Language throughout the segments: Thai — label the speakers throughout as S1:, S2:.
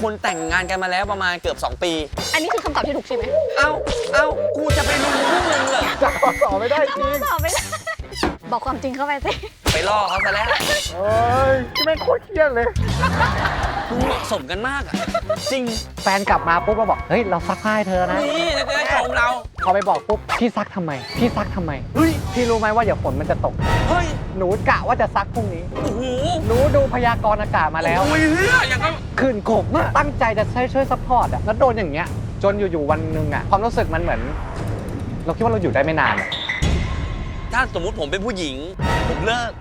S1: คุณแต่งงานกันมาแล้วประมาณเกือบ2 ปี
S2: อันนี้คือคำตอบที่ถูกใช่ไหม
S1: เอ้ากูจะไปรู้พวกมึงเหรอ
S3: จะตอบไม่ได้จริง
S2: ตอบไม่ได้ บอกความจริงเข้าไปสิ
S1: ไปล่อเขาซะแล้ว
S3: เอ้ยที่แม่งโคตรเครียดเลย
S1: มึงเหมาะสมกันมากอ่ะ จริง
S3: แฟนกลับมาปุ๊บเราบอกเฮ้ยเราซักผ้าให้เธอนะ
S1: นี่จะได้ชมเรา
S3: พอไปบอกปุ๊บพี่ซักทำไมพี่ซักทำไมเฮ้ยพี่รู้ไหมว่าเดี๋ยวฝนมันจะตก
S1: เฮ้ย
S3: หนูกะว่าจะซักพรุ่งนี้
S1: โอ้โห
S3: หนูดูพยากรณ์อากาศมาแล้ว
S1: โอ้ยเฮียอย่างก็
S3: คืนโกบมากตั้งใจจะช่วยซัพพอร์ตอะแล้วโดนอย่างเงี้ยจนอยู่ๆวันหนึ่งอะความรู้สึกมันเหมือน เราคิดว่าเราอยู่ได้ไม่นานอะ
S1: ถ้าสมมุติผมเป็นผู้หญิง ผมเลิก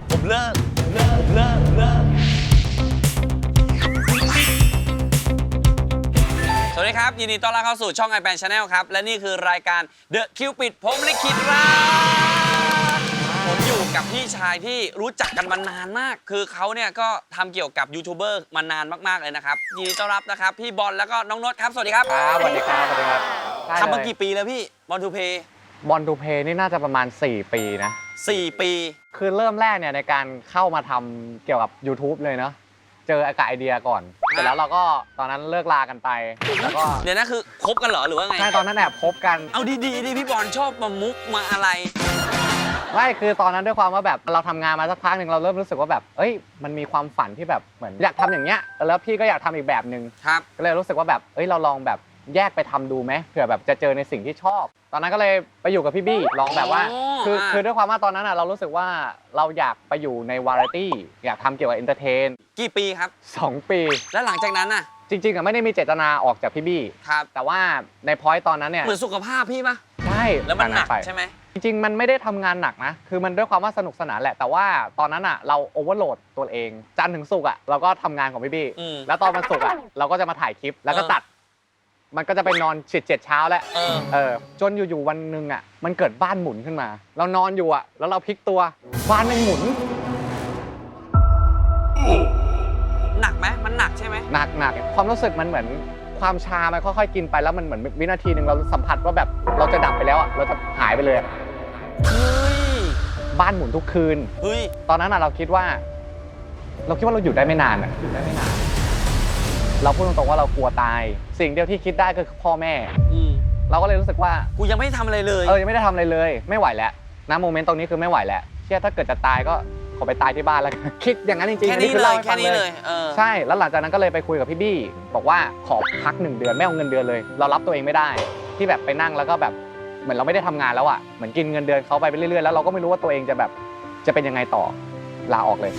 S1: สวัสดีครับ ยินดีต้อนรับเข้าสู่ช่อง iPad Channel ครับ และนี่คือรายการ The Cupid ผมลิขิตรักผมอยู่กับพี่ชายที่รู้จักกันมานานมาก คือเขาเนี่ยก็ทำเกี่ยวกับยูทูบเบอร์มานานมากๆเลยนะครับ ยินดีต้อนรับนะครับ พี่บอลแล้วก็น้องนดครับ สวัสดีครับ
S3: ครับสวัสดีครับสวัสดีครับ
S1: ทำมากี่ปีแล้วพี่บอลทูเพย์
S3: บอลทูเพย์นี่น่าจะประมาณ 4 ปีนะ
S1: 4 ปี
S3: คือเริ่มแรกเนี่ยในการเข้ามาทำเกี่ยวกับ YouTube เลยเนาะเจออากาศไอเดียก่อนเสร็จแล้วเราก็ตอนนั้นเลิกลากันไปแล้วก็
S1: เดี๋ยวนะคือคบกันเหรอหรือว่าไง
S3: ใช่ตอนนั้นแอบพบกัน
S1: เอาดีๆดิพี่บอลชอบมามุกมาอะไร
S3: ไม่คือตอนนั้นด้วยความว่าแบบเราทำงานมาสักพักหนึ่งเราเริ่มรู้สึกว่าแบบเอ้ยมันมีความฝันที่แบบเหมือนอยากทำอย่างเงี้ยแล้วพี่ก็อยากทำอีกแบบหนึ่ง
S1: ครับ
S3: ก็เลยรู้สึกว่าแบบเอ้ยเราลองแบบแยกไปทำดูไหมเผื่อแบบจะเจอในสิ่งที่ชอบ ตอนนั้นก็เลยไปอยู่กับพี่บี้ลองแบบว่า คือด้วยความว่าตอนนั้นอ่ะเรารู้สึกว่าเราอยากไปอยู่ในวาไรตี้อยากทำเกี่ยวกับเอนเตอร์เทน
S1: กี่ปีครับ
S3: 2 ปี
S1: แล้วหลังจากนั้นน่ะ
S3: จริงๆอ่ะไม่ได้มีเจตนาออกจากพี่บี้
S1: ครับ
S3: แต่ว่าในพอยต์ตอนนั้นเนี่ย
S1: เหมือนสุขภาพพี่ปะ
S3: ใช่
S1: แล้วมันหนัก
S3: ไป
S1: ใช่ไหม
S3: จริงๆมันไม่ได้ทำงานหนักนะคือมันด้วยความว่าสนุกสนานแหละแต่ว่าตอนนั้นอ่ะเราโอเวอร์โหลดตัวเองจันทร์ถึงศุกร์อ่ะเราก็ทำงานของพี่บี้ แล้วตอนวันศุกร์อ่ะเราก็จะมาถ่ายคลิปแล้วก็ตัด มันก็จะไปนอนเจ็ดเช้าแล้วจนอยู่ๆวันหนึ่งอ่ะมันเกิดบ้านหมุนขึ้นมา เรานอนอยู่อ่ะแล้วเราพลิกตัวบ้านมันหมุน
S1: หนักไหมมันหนักใช่ไหม
S3: หนักความรู้สึกมันเหมือนความชามันค่อยๆกินไปแล้วมันเหมือนวินาทีหนึ่งเราสัมผัสว่าแบบเราจะดับไปแล้วอ่ะเราจะหายไปเลยอะ
S1: เฮ้ย
S3: บ้านหมุนทุกคืน
S1: เฮ้ย
S3: ตอนนั้นอ่ะเราคิดว่าเราอยู่ได้ไม่นานอ่ะอยู่ได้ไม่นาน เราพูดตรงๆว่าเรากลัวตาย สิ่งเดียวที่คิดได้ก็คือพ่อแม่ เราก็เลยรู้สึกว่า
S1: กูยังไม่ได้ทำอะไรเลย
S3: ยังไม่ได้ทำอะไรเลยไม่ไหวแล้วนะโมเมนต์ตรงนี้คือไม่ไหวแล้วเชื่อถ้าเกิดจะตายก็ขอไปตายที่บ้านแล้วกัน คิดอย่างนั้นจริงๆ
S1: แค่
S3: อั
S1: นี้
S3: คื
S1: เล
S3: ล่าย ให้
S1: แค่
S3: ฟัง
S1: นี้เลย
S3: ใช่แล้วหลังจากนั้นก็เลยไปคุยกับพี่บี้บอกว่าขอพัก1 เดือนไม่เอาเงินเดือนเลย เรารับตัวเองไม่ได้ ที่แบบไปนั่งแล้วก็แบบเหมือนเราไม่ได้ทำงานแล้วอ่ะเหมือนกินเงินเดือนเขาไปเรื่อยๆแล้วเราก็ไม่รู้ว่าตัวเองจะแบบจะเป็นยังไงต่อลาออกเลย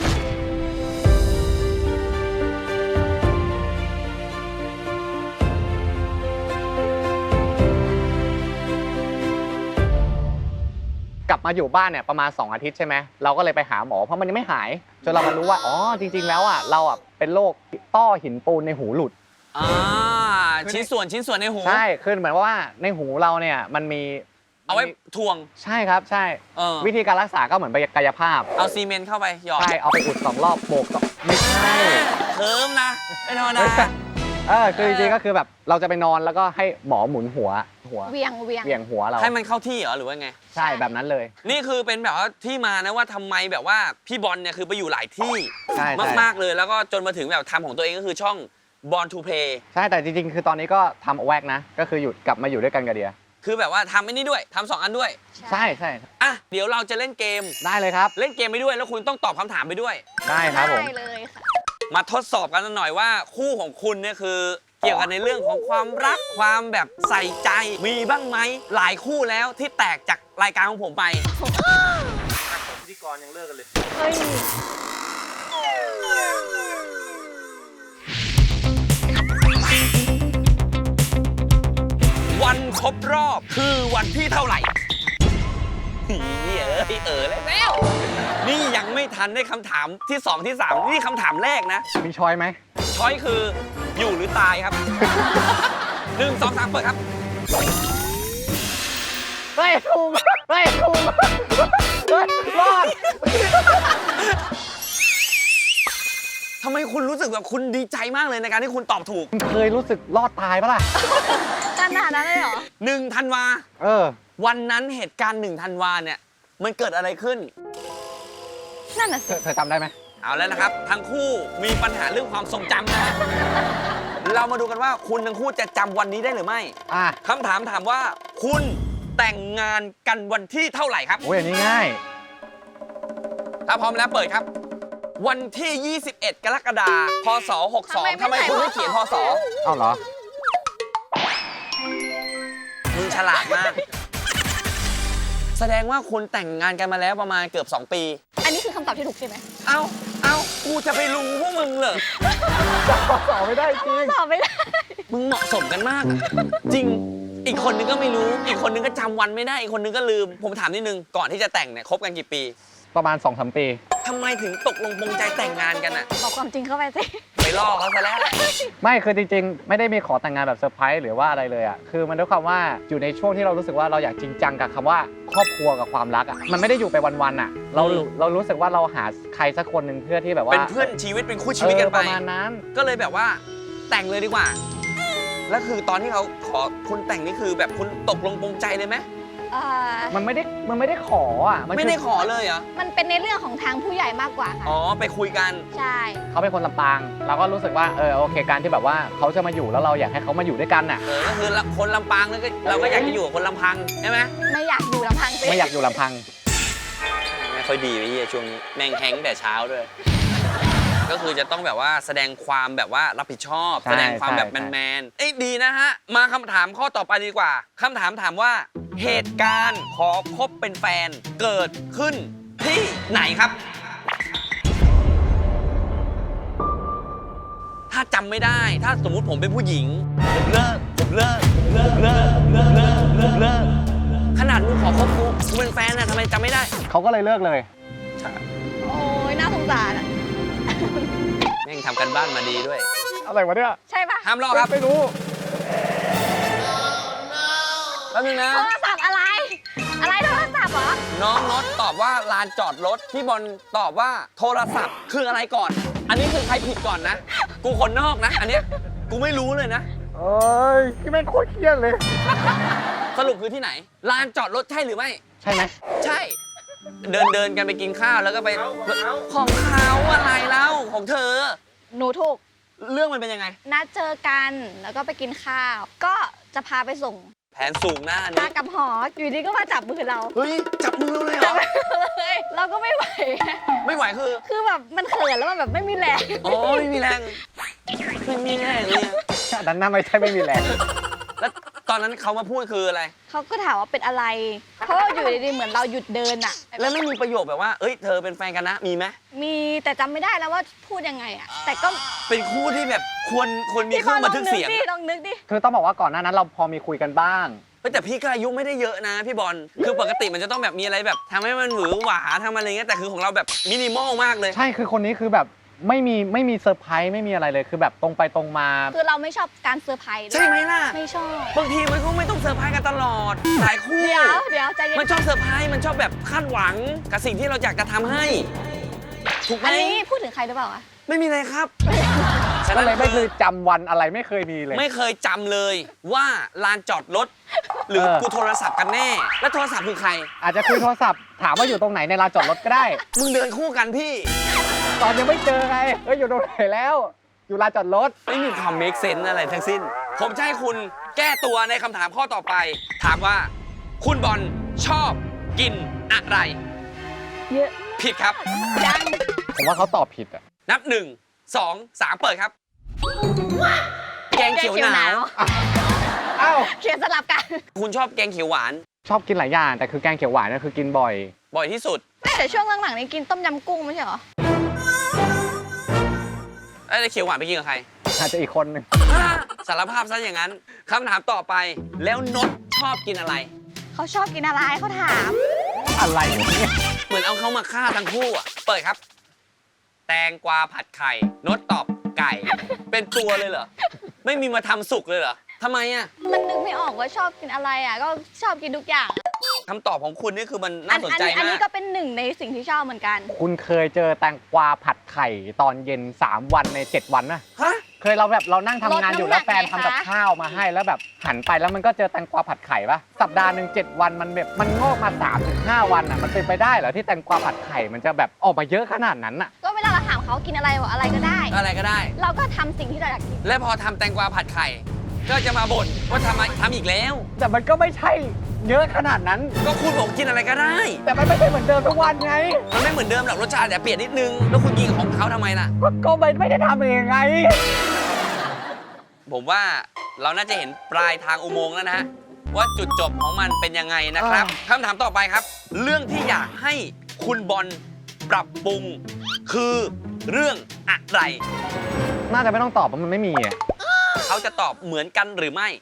S3: กลับมาอยู่บ้านเนี่ยประมาณ2 อาทิตย์ใช่ไหมเราก็เลยไปหาหมอเพราะมันยังไม่หายจนเรามารู้ว่าอ๋อจริงๆแล้วอ่ะเราอ่ะเป็นโรคต้อหินปูนในหูหลุด
S1: ชิ้นส่วนในหู
S3: ใช่คือเหมือนว่าในหูเราเนี่ยมันมี
S1: เอาไว้ทวง
S3: ใช่ครับใช่วิธีการรักษาก็เหมือนไปกายภาพ
S1: เอาซีเมนต์เข้าไปหยอด
S3: ใช่เอาไปอุด2 รอบโบกไม่ใช่
S1: เคิร์มนะไม่ธรรมดา
S3: คือจริงๆก็คือแบบเราจะไปนอนแล้วก็ให้หมอหมุนหัว
S2: เวียง
S3: หัวเรา
S1: ให้มันเข้าที่เหรอหรือว่าไง
S3: ใช่แบบนั้นเลย
S1: นี่คือเป็นแบบว่าที่มานะว่าทำไมแบบว่าพี่บอลเนี่ยคือไปอยู่หลายที่
S3: ใช่
S1: มากๆเลยแล้วก็จนมาถึงแบบทำของตัวเองก็คือช่อง Born to Play
S3: ใช่แต่จริงๆคือตอนนี้ก็ทำแวกนะก็คือหยุดกลับมาอยู่ด้วยกันกับเดีย
S1: คือแบบว่าทำไอ้นี่ด้วยทำ2 อันด้วย
S3: ใช่ใช่
S1: อ่ะเดี๋ยวเราจะเล่นเกม
S3: ได้เลยครับ
S1: เล่นเกมไปด้วยแล้วคุณต้องตอบคำถามไปด้วย
S3: ได้ครับผม
S2: ได้เลยค่ะ
S1: มาทดสอบกันหน่อยว่าคู่ของคุณเนี่ยคือ เกี่ยวกันในเรื่องของความรักความแบบใส่ใจมีบ้างไหมหลายคู่แล้วที่แตกจากรายการของผมไปพิธีกรยังเลิกกันเลย
S2: เฮ้ย
S1: วันครบรอบคือวันที่เท่าไหร่แล้วนี่ยังไม่ทันได้คำถามที่2ที่3นี่คำถามแรกนะ
S3: มีช้อยไหม
S1: ช้อยคืออยู่หรือตายครับ 1 2 3เปิดครับ
S3: เฮ้ยถูกเฮ้ยถูกรอด
S1: ทำไมคุณรู้สึกแบบคุณดีใจมากเลยในการที่คุณตอบถูก
S3: เคยรู้สึกรอดตายปะล่ะ
S2: ขนาดนั้นเลยเหรอ
S1: 1 ธันวา วันนั้นเหตุการณ์1 ธันวาเนี่ยมันเกิดอะไรขึ้น
S2: นั่นน่ะสิ
S3: เธอจำได้ไหม
S1: เอาแล้วนะครับ ทั้งคู่มีปัญหาเรื่องความทรงจำนะฮะเรามาดูกันว่าคุณทั้งคู่จะจำวันนี้ได้หรือไม่
S3: อ่ะ
S1: คำถามถามว่าคุณแต่งงานกันวันที่เท่าไหร่ครับ
S3: โอ้ยอันนี้ง่าย
S1: ถ้าพร้อมแล้วเปิดครับ วันที่ 21 กรกฎาคม พศ 62ทำไมคุณไม่เขียนพศ
S3: เอ้าเหรอ
S1: มึงฉลาดมาก แสดงว่าคุณแต่งงานกันมาแล้วประมาณเกือบ 2 ปี
S2: อันนี้คือคำตอบที่ถูกใช่ไหม
S1: เอ้า กูจะไปรู้พวกมึงเหรอ
S3: จับข้อสอบไม่ได้จริง
S2: ตอบไม่ได้
S1: มึงเหมาะสมกันมากอะจริง อีกคนนึงก็ไม่รู้ อีกคนนึงก็จำวันไม่ได้ อีกคนนึงก็ลืม ผมถามนิดนึง ก่อนที่จะแต่งเนี่ยคบกันกี่ปี
S3: ประมาณ 2-3 ปี
S1: ทำไมถึงตกลงปรงใจแต่งงานกันอะ
S2: บอกความจริงเข้าไปสิ
S1: ไปล่อเขาซะแล้ว
S3: ไม่คือจริงๆ ไม่ได้มีขอแต่งงานแบบเซอร์ไพรส์หรือว่าอะไรเลยอ่ะคือมันด้วยความว่าอยู่ในช่วงที่เรารู้สึกว่าเราอยากจริงจังกับคำว่าครอบครัวกับความรักอ่ะมันไม่ได้อยู่ไปวันๆอ่ะเรารู้สึกว่าเราหาใครสักคนหนึ่งเพื่อที่แบบว่า
S1: เป็นเพื่อนชีวิตเป็นคู่ชีวิตกันไป
S3: ประมาณนั้น
S1: ก็เลยแบบว่าแต่งเลยดีกว่า แล้วคือตอนที่เขาขอคุณแต่งนี่คือแบบคุณตกลงปรงใจเลยไหม
S3: มันไม่ได้ขออ่ะน
S1: ไม่ได้ขอเลยเหรอ
S2: มันเป็นในเรื่องของทางผู้ใหญ่มากกว่าค่ะ
S1: อ๋อไปคุยกัน
S2: ใช่
S3: เขาเป็นคนลำปางเราก็รู้สึกว่าโอเคการที่แบบว่าเขาจะมาอยู่แล้วเราอยากให้เขามาอยู่ด้วยกันอ่ะ
S1: ก็คือคนลำปางแล้วก็เราก็อยากจะอยู่กับคนลำพังใช่ไหม
S2: ไม่อยากอยู่ลำพังสิ
S3: ไม่อยากอยู่ลำพัง
S1: ไม่ค่อยดีไปเฮียช่วงนี้แม่งแฮงแต่เช้าด้วย ก็คือจะต้องแบบว่าแสดงความแบบว่ารับผิดชอบ
S3: ใช่
S1: แสดงความแบบ
S3: ใช่
S1: แมนๆเอ้ยดีนะฮะ มาคำถามข้อต่อไปดีกว่าคำถามถามว่า เหตุการณ์ขอคบเป็นแฟนเกิดขึ้นที่ไหนครับ ถ้าจำไม่ได้ ถ้าสมมุติผมเป็นผู้หญิงผมเลิกขนาดมึงขอคบกูเป็นแฟนนะทำไมจำไม่ได้
S3: เขาก็เลยเลิกเลย
S2: โอ้ยน่าสงสารอะ
S1: แม่งทำกันบ้านมาดีด้วย
S3: อะไรวะเนี่ย
S2: ใช่ปะ
S1: ห้ามลอกครับ
S3: ไม่รู้
S1: แป๊บนึงนะ
S2: โทรศัพท์อะไร อะไรโทรศัพท์เหรอ
S1: น้องน็อตตอบว่าลานจอดรถ พี่บอลตอบว่าโทรศัพท์คืออะไรก่อน อันนี้คือใครผิดก่อนนะ กูคนนอกนะ อันเนี้ยกูไม่รู้เลยนะ
S3: เอ้ยที่แม่งโคตรเครียดเลย
S1: สรุปคือที่ไหน ลานจอดรถใช่หรือไม่
S3: ใช่ไหม
S1: ใช่ เดินกันไปกินข้าวแล้วก็ไปของเขาอะไรเล่าของเธอ
S2: หนูถูก
S1: เรื่องมันเป็นยังไง
S2: นัดเจอกันแล้วก็ไปกินข้าว ก็จะพาไปส่ง
S1: แผนสูงหน้า
S2: พา
S1: นี้
S2: กับหอ อยู่ดีก็มาจับมือเรา
S1: เฮ้ย จับมือเลยเหรอ
S2: เลยเราก็ไม่ไหว
S1: ไม่ไหวคือ
S2: คือแบบมันเขินแล้วมันแบบไม่มีแรง
S1: อ๋อไม่มีแรงไม่มีแรงเลยอะ
S3: ดันหน้าไม่ใช่ไม่มีแรง
S1: แล้วตอนนั้นเขามาพูดคืออะไร
S2: เขาก็ถามว่าเป็นอะไร เพราะว่าอยู่ดีๆเหมือนเราหยุดเดินอะ
S1: แล้วไม่มีประโยคแบบว่า เอ้ย เธอเป็นแฟนกันนะ มีไหม
S2: มีแต่จำไม่ได้แล้วว่าพูดยังไงอะแต่ก็
S1: เป็นคู่ที่แบบควรมีเครื่องบันทึกเสียง
S2: ลองนึกดิ
S3: คือต้องบอกว่าก่อนหน้านั้นเราพอมีคุยกันบ้าง
S1: เฮ้ยแต่พี่ก็อายุไม่ได้เยอะนะพี่บอล คือปกติมันจะต้องแบบมีอะไรแบบทำให้มันหวือหวาทำอะไรเงี้ย แต่คือของเราแบบมินิมอลมากเลย
S3: ใช่คือคนนี้คือแบบไม่มีเซอร์ไพรส์ไม่มีอะไรเลยคือแบบตรงไปตรงมา
S2: คือเราไม่ชอบการเซอร์ไพรส์ด้วย
S1: ใช่ไหมล่ะ
S2: ไม่ชอบ
S1: บางทีมันก็ไม่ต้องเซอร์ไพรส์กันตลอด หลายคู่
S2: เดี๋ยวใจเย็น
S1: มันชอบเซอร์ไพรส์ มันชอบแบบคาดหวังกับสิ่งที่เราอยากจะทำให้ ถูกไหม
S2: อันนี้พูดถึงใครหรือเปล่าอะ
S1: ไม่มีอะไรครับ
S3: ก็เลยไม่เคยจำวันอะไรไม่เคยมีเลย
S1: ไม่เคยจำเลยว่าลานจอดรถ หรือ กูโทรศัพท์กันแน่ แล้วโทรศัพท์คือใคร
S3: อาจจะคุยโทรศัพท์ถามว่าอยู่ตรงไหนในลานจอดรถก็ได้
S1: มึงเดินคู่กันพี่
S3: ตอนยังไม่เจอไงอยู่ตรงไหนแล้ว อยู่ลานจอดรถ
S1: ไม่มีความ make sense อะไรทั้งสิ้น ผมจะให้คุณแก้ตัวในคำถามข้อต่อไป ถามว่า คุณบอลชอบกินอะไร
S2: เยอะ
S1: ผิดครับ
S2: ยัง
S3: ผมว่าเขาตอบผิดอ่ะ
S1: นับ 1 2 3 เปิดครับ แกงเขียวหนาว
S3: อ้าว
S2: เขียนสลับกัน
S1: คุณชอบแกงเขียวหวาน
S3: ชอบกินหลายอย่างแต่คือแกงเขียวหวานเนี่ยคือกินบ่อย
S1: บ่อยที่สุด
S2: แต่ช่วงหลังๆนี้กินต้มยำกุ้งไม่ใช่เหรอ
S1: ไอ้เขียวหวานไปกินกับใคร
S3: อาจจะอีกคนหนึ่ง
S1: สารภาพซะอย่างนั้นคำถามต่อไป แล้วนดชอบกินอะไร
S2: เขาชอบกินอะไรเขาถาม
S3: อะไรเนี่ย
S1: เหมือนเอาเขามาฆ่าทั้งคู่อ่ะ เปิดครับ แตงกวาผัดไข่ นดตอบไก่ เป็นตัวเลยเหรอ ไม่มีมาทำสุกเลยเหรอทำไมอ่ะ
S2: มันนึกไม่ออกว่าชอบกินอะไรอ่ะ ก็ชอบกินทุกอย่าง
S1: คำตอบของคุณนี่คือมันน่าสนใจ
S2: อัน
S1: มา
S2: นี้
S1: ก
S2: ก็เป็นหนึ่งในสิ่งที่ชอบเหมือนกัน
S3: คุณเคยเจอแตงกวาผัดไข่ตอนเย็น3 วันใน 7 วันนะ
S1: ฮะ
S3: เคยเรานั่งทำงานอยู่
S2: ลดน้ำหนัก
S3: แล้วแฟนทำกับ
S2: ไงคะ
S3: ข้าวมาให้แล้วแบบหันไปแล้วมันก็เจอแตงกวาผัดไข่ปะสัปดาห์หนึ่ง7 วันมันแบบมันงอกมา 3-5 วันอ่ะมันเป็นไปได้เหรอที่แตงกวาผัดไข่มันจะแบบออกมาเยอะขนาดนั้นอ่ะ
S2: ก็เวลาเราถามเขากินอะไรบอกอะไรก็ได้
S1: อะไรก็ได้
S2: เราก็ทำสิ่งที่เราอยากกิน
S1: และพอทำแตงกวาผัดไข่ ก็จะมาบ่นว่าทำอีกแล้ว
S3: แต่มันก็ไม่ใช่เยอะขนาดนั้น
S1: ก็คุณบอกกินอะไรก็ได้
S3: แต่มันไม่ใช่เหมือนเดิมทุกวันไง
S1: มันไม่เหมือนเดิมหรอกรสชาติแต่เปลี่ยนนิดนึง แล้วคุณกินของเขาทำไมล่ะ
S3: ก็ไม่ได้ทำเองไง
S1: ผมว่าเราน่าจะเห็นปลายทางอุโมงค์แล้วนะฮะว่าจุดจบของมันเป็นยังไงนะครับคำถามต่อไปครับ เรื่องที่อยากให้คุณบอลปรับปรุง คือเรื่องอะไร
S3: น่าจะไม่ต้องตอบเพราะมันไม่มีอะ
S1: เขาจะตอบเหมือนกันหรือไม่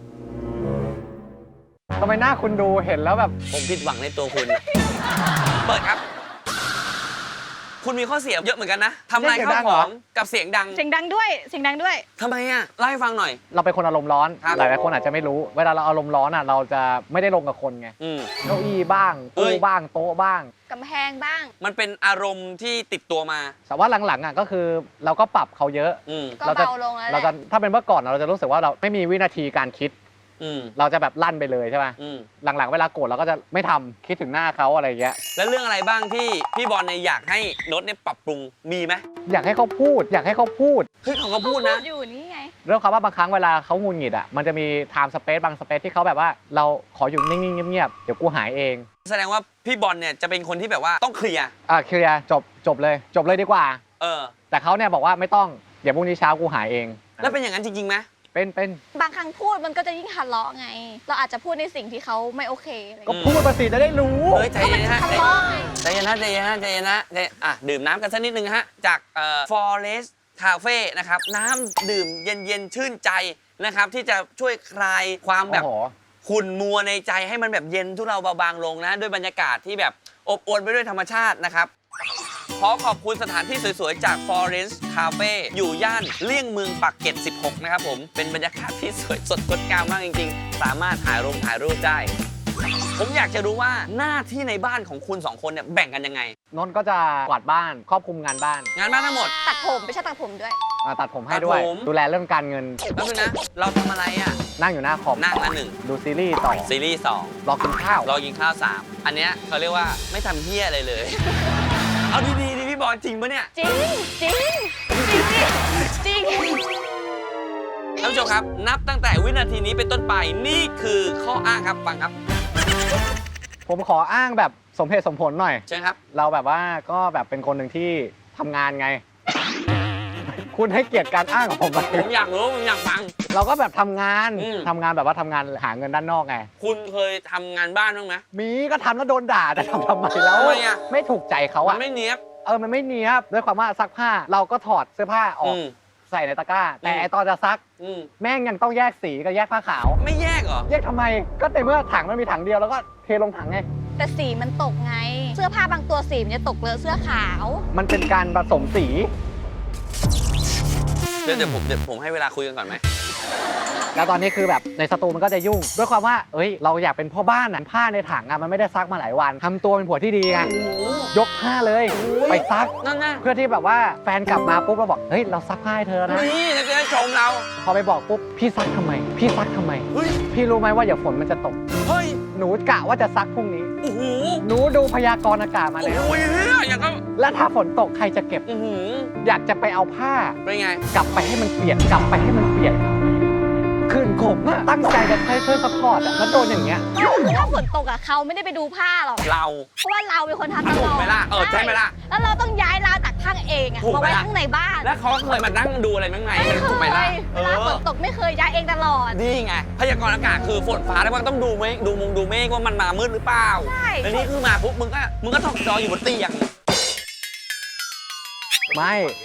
S3: ทำไมหน้าคุณดูเห็นแล้วแบบ
S1: ผมผิดหวังในตัวคุณ เปิดครับ คุณมีข้อเสียเยอะเหมือนกันนะทำลายข้าวของกับเสียงดัง
S2: เสียงดังด้วย เสียงดังด้วย
S1: ทำไมอ่ะเล่าให้ฟังหน่อย
S3: เราเป็นคนอารมณ์ร้อน
S1: ครับ
S3: หลายๆคนอาจจะไม่รู้ เวลาเราอารมณ์ร้อนอ่ะเราจะไม่ได้ลงกับคนไง
S1: อืม
S3: เก้าอี้บ้าง
S1: เอ้
S3: ตู้
S1: ย
S3: บ้างโต๊ะบ้าง
S2: กำแพงบ้าง
S1: มันเป็นอารมณ์ที่ติดตัวมา
S3: แต่ว่าหลังๆอ่ะก็คือเราก็ปรับเขาเยอะ
S1: อืม
S2: ก็
S3: เราจะ
S2: เบาลงแล้วแห
S3: เราจะ
S2: ละ
S3: ถ้าเป็นเมื่อก่อนเราจะรู้สึกว่าเราไม่มีวินาทีการคิด
S1: อืม
S3: เราจะแบบลั่นไปเลยใช่ไหม
S1: อืม
S3: หลังๆเวลาโกรธเราก็จะไม่ทำคิดถึงหน้าเขาอะไรอย่างเงี้ย
S1: แล้วเรื่องอะไรบ้างที่พี่บอลเนี่ยอยากให้โน้ตเนี่ยปรับปรุงมีไหม
S3: อยากให้เขาพูด อยากให้เขาพูด
S1: เฮ้ยเขาก็พูดนะ
S2: อยู่นี่ไง
S3: เรื่องคำว่าบางครั้งเวลาเขาหงุนหงิดอ่ะมันจะมีไทม์สเปซบางสเปซที่เขาแบบว่าเราขออยู่นิ่งๆเงียบๆเดี๋ยวกูหายเอง
S1: แสดงว่าพี่บอลเนี่ยจะเป็นคนที่แบบว่าต้องเคลียร์
S3: เคลียร์จบเลยดีกว่า
S1: เออ
S3: แต่เขาเนี่ยบอกว่าไม่ต้องเดี๋ยวพรุ่งนี้เช้ากูหายเอง
S1: แล้วเป็นอย่างนั้นจริงๆไหม
S3: เป็น
S2: บางครั้งพูดมันก็จะยิ่งทะเลาะไง เราอาจจะพูดในสิ่งที่เขาไม่โอเคอะไรอย่าง
S3: ก็
S2: เงี้ย
S3: พูดมาสิจะได้รู้
S1: เฮ้ยใจเย็นนะฮะ
S2: ทะเลาะไง
S1: ใจเย็นนะใจเย็นนะใจเย็นนะดื่มน้ำกันสักนิดนึงฮะจากForest Cafe นะครับน้ำดื่มเย็นๆชื่นใจนะครับที่จะช่วยคลายความแบบ
S3: โอ้โห
S1: ขุ่นมัวในใจให้มันแบบเย็นทุเราเบาบางลงนะด้วยบรรยากาศที่แบบอบอวลไปด้วยธรรมชาตินะครับขอขอบคุณสถานที่สวยๆ จาก Forest Cafe อยู่ย่านเลี่ยงเมืองปากเกร็ด 16 นะครับผมเป็นบรรยากาศที่สวยสดงดงามมากจริงๆ สามารถถ่ายรูปได้ ผมอยากจะรู้ว่าหน้าที่ในบ้านของคุณสองคนเนี่ยแบ่งกันยังไง
S3: นนท์ก็จะกวาดบ้านครอบคลุมงานบ้าน
S1: งานบ้านทั้งหมด
S2: ตัดผมไม่ใช่ตัดผมด้วย
S3: ตัดผมให้ด้วย
S1: ตัดผม
S3: ดูแลเรื่องการเงิน
S1: แล้วนะเราทำอะไรอ่ะ
S3: นั่งอยู่หน้าคอม
S1: นั่งละหนึ่ง
S3: ดูซีรีส์ต่อ
S1: ซีรีส์สอง
S3: รอกินข้าว
S1: รอกินข้าว3อันเนี้ยเขาเรียกว่าไม่ทำเฮี้ยอะไรเลย เอาดีๆดิพี่บอลจริงปะเนี่ย
S2: จริง จริง จริงดิจริง
S1: ท่านผู้ชมครับ นับตั้งแต่วินาทีนี้เป็นต้นไปนี่คือข้ออ้างครับฟังครับ
S3: ผมขออ้างแบบสมเหตุสมผลหน่อย
S1: เชิญครับ
S3: เราแบบว่าก็แบบเป็นคนหนึ่งที่ทำงานไง คุณให้เกียรติการอ้างของผมไหม
S1: ผมอยากรู้ผมอยากฟัง
S3: เราก็แบบทำงาน
S1: อืม
S3: ทำงานแบบว่าทำงานหาเงินด้านนอกไง
S1: คุณเคยทำงานบ้านบ้างไหม
S3: มีก็ทำแล้วโดนด่าแต่ทำไมแล้ว
S1: ทำไมอะ
S3: ไม่ถูกใจเขา
S1: มั
S3: อะ
S1: นไม่เนี้ยบ
S3: มันไม่เนี้ยบด้วยความว่าซักผ้าเราก็ถอดเสื้อผ้าออก
S1: อืม
S3: ใส่ในตะกร้า แต่
S1: อืม
S3: ไอตอนจะซัก
S1: อืม
S3: แม่งยังต้องแยกสีกับแยกผ้าขาว
S1: ไม่แยกเหรอ
S3: แยกทำไมก็ในเมื่อถังมันมีถังเดียวแล้วก็เทลงถังไง
S2: แต่สีมันตกไง เสื้อผ้าบางตัวสีมันจะตกเลอะเสื้อขาว
S3: มันเป็นการผสมสี
S1: เดี๋ยวผมให้เวลาคุยกันก่อนไหม
S3: แล้วตอนนี้คือแบบในสตูมันก็จะยุ่ง ด้วยความว่าเอ้ยเราอยากเป็นพ่อบ้านน่ะผ้าในถังอะมันไม่ได้ซักมาหลายวันทำตัวเป็นผัวที่ดีไงยกผ้าเลยไปซัก
S1: นั่นนะ
S3: เพื่อที่แบบว่าแฟนกลับมาปุ๊บเราบอกเฮ้ยเราซักผ้าให้เธอนะ
S1: นี่จะได้ชมเรา
S3: พอไปบอกปุ๊บพี่ซักทำไม พี่ซักทำไม
S1: เฮ้ย
S3: พี่รู้ไหมว่าเดี๋ยวฝนมันจะตก
S1: เฮ้ย
S3: หนูกะว่าจะซักพรุ่งนี้
S1: โอ้โห
S3: หนูดูพยากรณ์อากาศมา
S1: โอ้
S3: แล้ว
S1: โหเฮียอย่างก็
S3: แล้วถ้าฝนตกใครจะเก็บ
S1: อื้อหือ
S3: อยากจะไปเอาผ้า
S1: เป็นไง
S3: กลับไปให้มันเปียกกลับไปให้มันเปียกคืนขมอะตั้งใจจะใช้ช่วยซัพพอร์ตอะแล้วโดนอย่างเงี้ย
S2: ถ้าฝนตกอ่ะเขาไม่ได้ไปดูผ้าหรอก
S1: เรา
S2: เพราะว่าเราเป็นคนทำต
S1: ถู
S2: ล
S1: ก
S2: อด
S1: ไหมล่ะใช่ไหมล่ะ
S2: แล้วเราต้องย้ายราวตากผ้าเองอ่ะ
S1: ถูก
S2: มา
S1: ไหม
S2: ไว้
S1: ล่ะ
S2: ข้างในบ้าน
S1: แล้วเขาเคยมานั่งดูอะไรบ้างไง
S2: ไม่เค
S1: ถูกไหมล่ะ
S2: ยเวลาฝนตกไม่เคยย้ายเองตลอด
S1: นี่ไงพยากรณ์อากาศคือฝนฟ้าแล้วมันต้องดูเมฆดูเมฆว่ามันมามืดหรือเปล่า
S2: ใช่
S1: แล้วนี่คือมาปุ๊บมึงก็ถอกจออยู่บนเตียง
S3: ไม่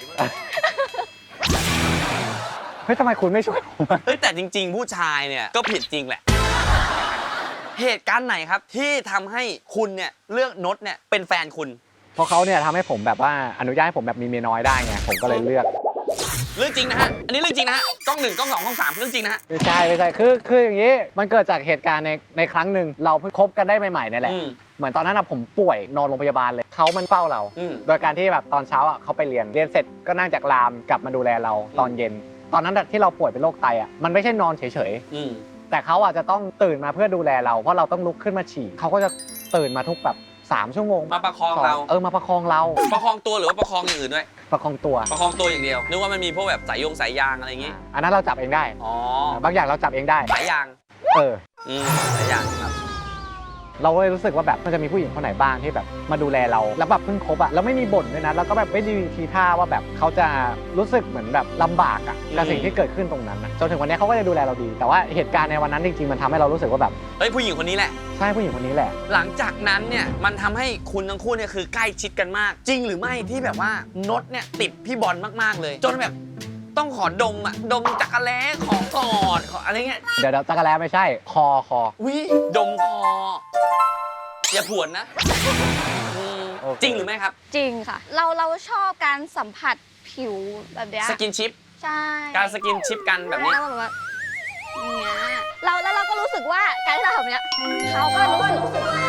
S3: เฮ้ยทำไมคุณไม่ช่วยผมอะ
S1: เฮ้ยแต่จริง ๆ ผู้ชายเนี่ยก็ผิดจริงแหละ เหตุการณ์ไหนครับที่ทำให้คุณเนี่ยเลือกนดเนี่ยเป็นแฟนคุณ
S3: เพราะเขาเนี่ยทำให้ผมแบบว่าอนุญาตให้ผมแบบมีเมียน้อยได้ไงผมก็เลยเลือก
S1: เรื่องจริงนะฮะอันนี้เรื่องจริงนะฮะกล้อง1กล้อง2กล้อง3เรื่องจริงนะฮะ
S3: ไม่ใช่คืออย่างนี้มันเกิดจากเหตุการณ์ในครั้งหนึ่งเราเพิ่งคบกันได้ใหม่ๆนี่แหละ
S1: อืม
S3: เหมือนตอนนั้นผมป่วยนอนโรงพยาบาลเลยเขามันเฝ้าเรา
S1: อืม
S3: โดยการที่แบบตอนเช้าเขาไปเรียนเสร็จก็นั่งจากรามกลับมาดูแลเราตอนเย็น ตอนนั้นที่เราป่วยเป็นโรคไตมันไม่ใช่นอนเฉย
S1: อืม
S3: ๆแต่เขาจะต้องตื่นมาเพื่อดูแลเราเพราะเราต้องลุกขึ้นมาฉี่เขาก็จะตื่นมาทุกแบบ3 ชั่วโมง
S1: มาประคองเรา
S3: มาประคองเรา
S1: ประคองตัวหรือว่าประคองอย่างอื่นด้วย
S3: ประคองตัว
S1: ประคองตัวอย่างเดียวนึกว่ามันมีพวกแบบสายยางอะไรอย่างงี้
S3: อันนั้นเราจับเองได้
S1: อ๋อ
S3: บางอย่างเราจับเองได้
S1: สายยาง
S3: เออ
S1: สายยางครับ
S3: เราก็เลยรู้สึกว่าแบบมันจะมีผู้หญิงคนไหนบ้างที่แบบมาดูแลเราแล้วแบบเพิ่งคบอะแล้วไม่มีบ่นด้วยนะแล้วก็แบบไม่ได้มีทีท่าว่าแบบเขาจะรู้สึกเหมือนแบบลำบากอะกับสิ่งที่เกิดขึ้นตรงนั้นนะจนถึงวันนี้เขาก็จะดูแลเราดี แต่ว่าเหตุการณ์ในวันนั้นจริงๆมันทำให้เรารู้สึกว่าแบบ
S1: เฮ้ยผู้หญิงคนนี้แหละ
S3: ใช่ผู้หญิงคนนี้แหละ
S1: หลังจากนั้นเนี่ยมันทำให้คุณทั้งคู่เนี่ยคือใกล้ชิดกันมาก จริงหรือไม่ที่แบบว่านดเนี่ยติดพี่บอลมากๆเลย จนแบบต้องขอดมอ่ะดมจักรแล้ของกอดขออะไรเงี้ย
S3: เดี๋ยวจักรแล้ไม่ใช่คอ
S1: วิดมคออย่าผวนนะจริงหรือไม่ครับ
S2: จริงค่ะ เราชอบการสัมผัสผิวแบบเนี้ย
S1: สกินชิป
S2: ใช่
S1: การสกินชิปกันแบบนี้
S2: แล้วแบบว่าอย่างเงี้ยเราก็รู้สึกว่าการที่เราทำเนี้ยเขาก็รู้สึก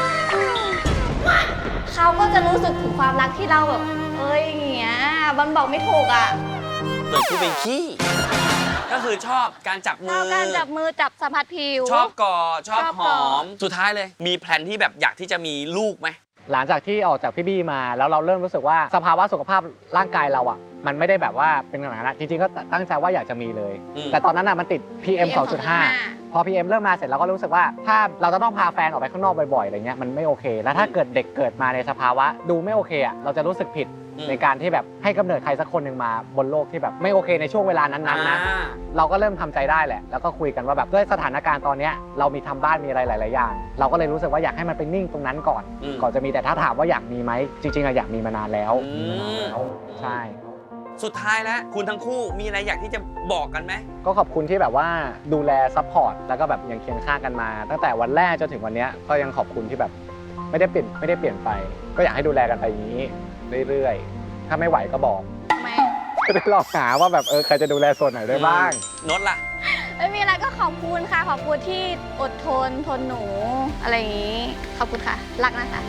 S2: เขาก็จะรู้สึกถึงความรักที่เราแบบเอ้ยอย่างเงี้ยมันบอกไม่ถูกอ่ะ
S1: เหมือนกูเป็นขี้ก็คือชอบการจับ
S2: ช
S1: มื
S2: อบ
S1: อ
S2: การจับมือจับสัมผัสผิว
S1: ชอบกอดชอบ
S2: ชอบ
S1: ห
S2: ก
S1: อ
S2: อด
S1: มสุดท้ายเลย มีแพลนที่แบบอยากที่จะมีลูกไหม
S3: หลังจากที่ออกจากพี่บี้มาแล้วเราเริ่มรู้สึกว่าสภาวะสุขภาพร่างกายเราอ่ะมันไม่ได้แบบว่าเป็นขนาดนั้นจริงๆก็ตั้งใจว่าอยากจะมีเลย แต่ตอนนั้นอ่ะมันติด PM 2.5 พอ PM เริ่มมาเสร็จเราก็รู้สึกว่าถ้าเราจะต้องพาแฟนออกไปข้างนอกบ่อยๆอะไรเงี้ยมันไม่โอเค แล้วถ้าเกิดเด็กเกิดมาในสภาวะดูไม่โอเคอ่ะเราจะรู้สึกผิดในการที่แบบให้กำเนิดใครสักคนหนึ่งมาบนโลกที่แบบไม่โอเคในช่วงเวลานั้นๆนะเราก็เริ่มทำใจได้แหละแล้วก็คุยกันว่าแบบด้วยสถานการณ์ตอนเนี้ยเรามีทำบ้านมีอะไรหลายๆอย่างเราก็เลยรู้สึกว่าอยากให้มันเป็นนิ่งตรงนั้นก่อนจะมีแต่ถ้าถามว่าอยากมีไหมจริงๆอะอยากมีมานานแล้วใช่
S1: สุดท้ายแล้วคุณทั้งคู่มีอะไรอยากที่จะบอกกันไหม
S3: ก็ขอบคุณที่แบบว่าดูแลซัพพอร์ตแล้วก็แบบยังเคียงข้างกันมา ตั้งแต่วันแรกจนถึงวันนี้ก็ยังขอบคุณที่แบบไม่ได้เปลี่ยนไป ก็อยากให้ดูแลกันไปอย่างนี้เรื่อยๆถ้าไม่ไหวก็บอก
S2: ไหม
S3: จะได้ลองหาว่าแบบใครจะดูแลส่วนไหนได้บ้าง
S1: นดล่ะ
S2: ไม่มีอะไรก็ขอบคุณค่ะขอบคุณที่อดทนหนูอะไรอย่างงี้ขอบคุณค่ะรักนะคะ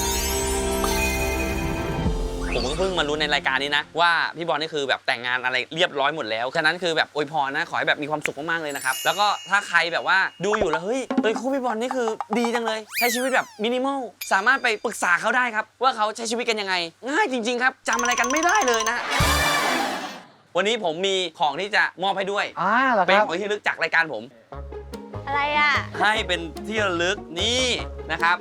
S1: ผมก็เพิ่งมารู้ในรายการนี้นะว่าพี่บอลนี่คือแบบแต่งงานอะไรเรียบร้อยหมดแล้วฉะนั้นคือแบบอวยพรนะขอให้แบบมีความสุขมากๆเลยนะครับแล้วก็ถ้าใครแบบว่าดูอยู่แล้วเฮ้ยคู่พี่บอลนี่คือดีจังเลยใช้ชีวิตแบบมินิมอลสามารถไปปรึกษาเขาได้ครับว่าเขาใช้ชีวิตกันยังไงง่ายจริงๆครับจำอะไรกันไม่ได้เลยนะวันนี้ผมมีของที่จะมอบให้ด้วย
S3: เหรอ
S1: เป็น
S3: ครับ
S1: ของที่ระลึกจากรายการผม
S2: อะไรอ่ะ
S1: ให้เป็นที่ระลึกนี่นะครับ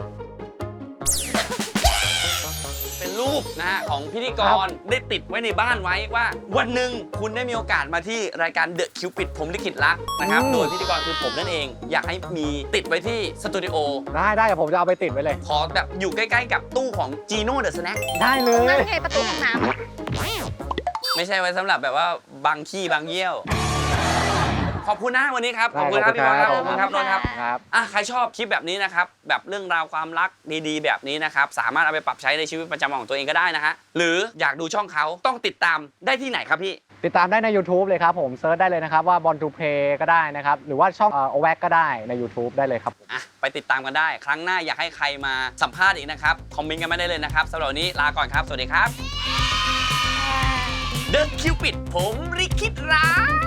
S1: เป็นรูปนะฮะของพิธีกรได้ติดไว้ในบ้านไว้ว่าวันหนึ่งคุณได้มีโอกาสมาที่รายการ The Cupid ผมลิขิตรักนะครับโดยพิธีกรคือผมนั่นเองอยากให้มีติดไว้ที่สตูดิโอ
S3: ได้เดี๋ยวผมจะเอาไปติดไว้เลย
S1: ขอแบบอยู่ใกล้ๆกับตู้ของ Gino The Snack
S3: ได้เลย
S2: นั่นไงประตูห้องน้ำ
S1: ไม่ใช่ไว้สำหรับแบบว่าบางขี้บางเยี่ยว ขอบคุณนะวันนี้ครับขอบคุณครับ
S3: ได้
S1: พี่บอลครับ
S3: ข
S1: ข
S3: อ
S1: อ
S3: บบ คุ
S1: คุณ ณ
S3: ค
S1: ค
S3: รั
S1: รับ บนนท์ครับ
S3: ครับ
S1: ใครชอบคลิปแบบนี้นะครับแบบเรื่องราวความรักดีๆ แบบนี้นะครับสามารถเอาไปปรับใช้ในชีวิตประจำวันของตัวเองก็ได้นะฮะหรืออยากดูช่องเขาต้องติดตามได้ที่ไหนครับพี่
S3: ติดตามได้ใน YouTube เลยครับผมเซิร์ชได้เลยนะครับว่า Born to Play ก็ได้นะครับหรือว่าช่องโอแวกก็ได้ใน YouTube ได้เลยครับ
S1: ไปติดตามกันได้ ครั้งหน้าอยากให้ใครมาสัมภาษณ์อีกนะครับคอมเมนต์กันมาได้เลยนะครับสำหรับวันนี้ลาก่อนครับสวัสดีครับ The Cupid ผมลิขิตรัก